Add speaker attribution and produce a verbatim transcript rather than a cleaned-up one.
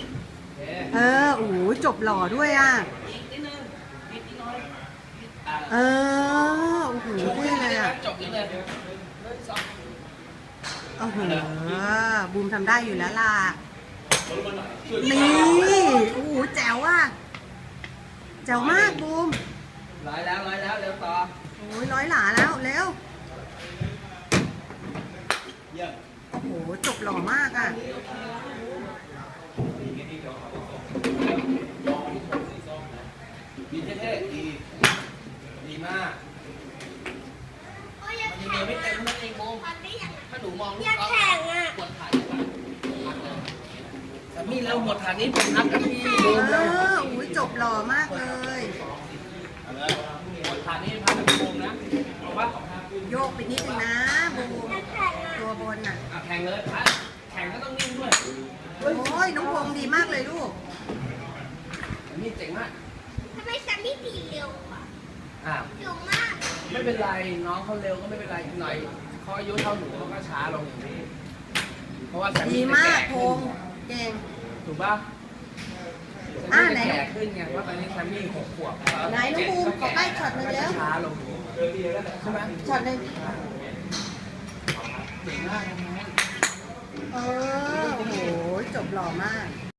Speaker 1: เออโอ้โหจบหล่อด้วยอ่ะเออโอ้โหเท่เลยอ่ะ
Speaker 2: จบเลย
Speaker 1: โอ้โหบูมทำได้อยู่แล้วล่ะนี่โอ้โหแจ๋วอ่ะแจ๋วมากบูม
Speaker 2: ร้อยแล้วร้อยแล้วเร็วต่อ
Speaker 1: โอ้ยร้อยหลาแล้วเร็วโอ้โหจบหล่อมากอ่ะ
Speaker 2: ดีเท่ๆดีดีมากมันยังเดินไม่เต็มนั่นเองโมถ้าหนูมองลูกก็กดถ่ายดีกว่าแต่พี่เร็วหมดฐานนี้เป็นนักกับพี่โม
Speaker 1: เออโอ้ยจบหล่อมากเลย
Speaker 2: หมดฐานนี้พักกับพี่โมนะเอาปะ
Speaker 1: โยกไปนิดนึงนะบูมตัวบนน่ะ
Speaker 2: แข่งเลยพักแข่งก็ต้องนิ่งด้วย
Speaker 1: โอ้ยน้องพงดีมากเลยลูก
Speaker 2: นี่เจ๋งมาก
Speaker 3: ทำไมซัมมี่ตีเร็วอ่ะ
Speaker 2: อ่า
Speaker 3: เร็วมาก
Speaker 2: ไม่เป็นไรน้องเขาเร็วก็ไม่เป็นไรหน่อยเขาอายุเท่าหนูเขาก็ช้าลงอย่างนี้เพราะว่าแซม
Speaker 1: ดี
Speaker 2: มี่
Speaker 1: มากพ
Speaker 2: ขึ้น
Speaker 1: งเก่ง
Speaker 2: ถูกป่ะ
Speaker 1: อ่าไหน
Speaker 2: แก่ขึ้นไงว่าตอนนี้แซมมี่หกขวบ
Speaker 1: ไหนน้องบูมขอใกล้ช็อตหนึ่งแล้ว
Speaker 2: ช้าลงใช่ไหม
Speaker 1: ช็อตหนึ่ง
Speaker 2: เก่งมากนะ
Speaker 1: เออโอ้โหจบหล่อมาก